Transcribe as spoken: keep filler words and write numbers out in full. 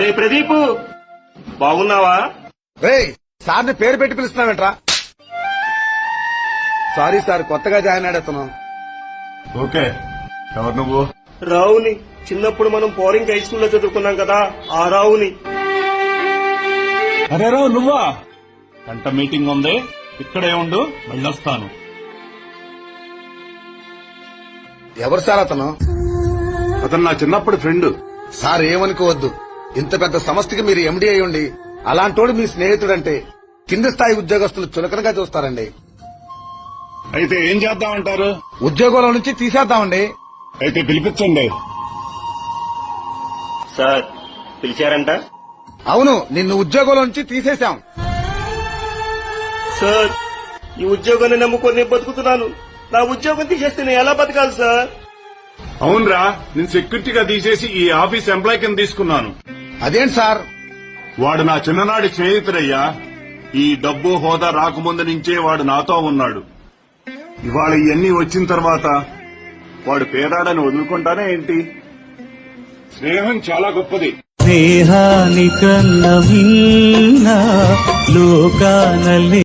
అరే ప్రదీప్, బాగున్నావా? రేయ్, సార్ని పేరు పెట్టి పిలుస్తున్నావేంట్రా? సారీ సార్, కొత్తగా జాయిన్ అయ్యాడుతున్నాం. ఓకే, ఎవరు నువ్వు? రావుని. చిన్నప్పుడు మనం పోరింగ్ హై స్కూల్లో చదువుకున్నాం కదా, ఆ రావుని. అరే రావు, నువ్వా? గంట మీటింగ్ ఉంది, ఇక్కడే ఉండు, వెళ్ళొస్తాను. ఎవరు సార్ అతను? అతను నా చిన్నప్పటి ఫ్రెండ్. సార్ ఏమనుకోవద్దు, ఇంత పెద్ద సంస్థకి మీరు ఎండీ అయి ఉండి అలాంటోడు మీ స్నేహితుడంటే కింది స్థాయి ఉద్యోగస్తులు చులకనగా చూస్తారండి. అయితే ఏం చేద్దామంటారు? ఉద్యోగంలో నుంచి తీసేద్దామండి. అయితే పిలిపించండి. సార్ పిలిచారంట? అవును, నిన్ను ఉద్యోగంలో నుంచి తీసేశాం. సార్, ఈ ఉద్యోగాన్ని నమ్ముకొని నేను బతుకుతున్నాను. నా ఉద్యోగం తీసేస్తే నేను ఎలా బతకాలి సార్? అవునరా, నేను సెక్యూరిటీగా తీసేసి ఈ ఆఫీస్ ఎంప్లాయ్ కింద తీసుకున్నాను. అదేంటి సార్? వాడు నా చిన్ననాటి స్నేహితుడయ్యా. ఈ డబ్బు హోదా రాకముందు నుంచే వాడు నాతో ఉన్నాడు. ఇవాళ ఇవన్నీ వచ్చిన తర్వాత వాడు పేదాడని వదులుకుంటానే ఏంటి? స్నేహం చాలా గొప్పది. స్నేహానికన్న మిన్న లోకానలే